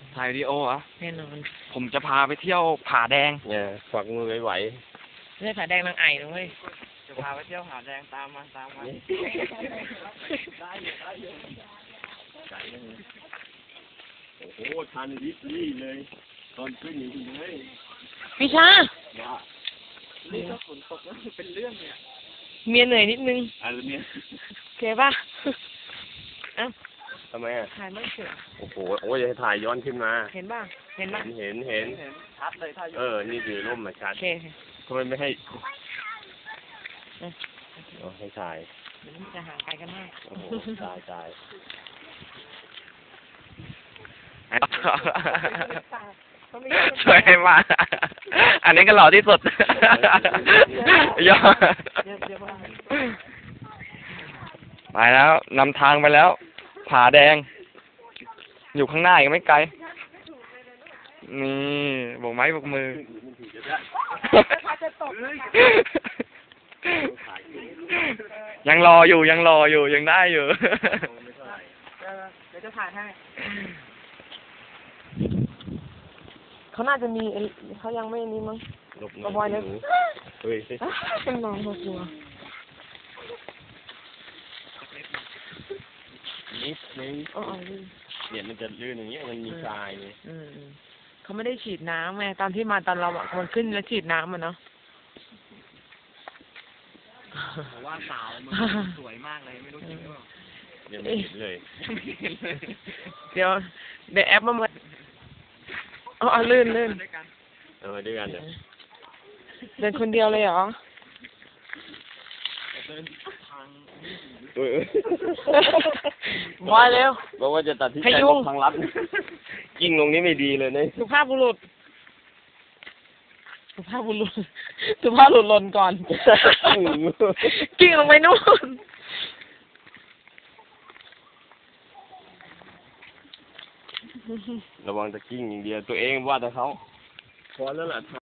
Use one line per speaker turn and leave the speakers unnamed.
ถ่ายวิดีโอเหรอ
แน่นอน
ผมจะพาไปเที่ยวผาแดง
เนี่ยฝักมือไหว
ไม่ใช่ผาแดงนางไอ่นะเว้ย
จะพาไปเที่ยวผาแดงตามมาได้อยู่
โอ้โหทันริบลี่เลยตอนขึ้นอยู่เลย
พี่ชา
นี่ก็ฝนตกแล้วเป็นเรื่องเนี่ย
เมียเหนื่อยนิดนึง
อะไรเนี่ย
โอเคป่ะเอ้า
ทำไมอ่ะ
ถ่ายไม่เสร็จ
โอ้โหโอ้ยจะถ่ายย้อนขึ้นมา
เห็นป่ะเห็นป่ะ
เห็น
ชัดเลยถ้าอยู่
นี่คือร่มมาชัด
โอเค
ทำไมไม่ให้ให้ถ่าย
เดี๋ยวมันจะห่างไกลกันมาก
โอ้โหตาย
สวยมากอันนี้ก็หล่อที่สุดยอดไปแล้วนำทางไปแล้ว ผาแดง อยู่ข้างหน้าอีกไม่ไกล นี่โบกไม้โบกมือ ยังรออยู่ยังได้อยู่
เดี๋ยวจะถ่ายให้เขาน่าจะมีเขายังไม่นี่มั้ง
ลบ
กระบอยเนี่ย
เฮ้ย
เป็นน้องเขากลัว
นิดนึง
อ๋อ
เนี่ยมันจะลื่นอย่างเงี้ยมันมีทรายไง
เขาไม่ได้ฉีดน้ำไงตอนที่มาตอนเราอ่ะคนขึ้นแล้วฉีดน้ำมันเนาะ
ผมว่าสาวมันสวยมากเลยไม่รู้จริงหรือเปล่า
ยังไม่เห็นเลย
เดี๋ยวแอปมาอ๋อลื่น
ด้วยกันเนี่ย
เดินคนเดียวเลยเหรอ
เดินทาง
บอยเร็ว
บอกว่าจะตัดที่
ให้
แต่
ยุ่ง
ทางลัดกิ้งลงนี้ไม่ดีเลยเนี่ย
สุภาพบุรุษหล่นก่อน กิ้งลงไปนู่น
ระวังจะกิ้งอย่างเดียวตัวเองว่าแต่เขาพอแล้วล่ะ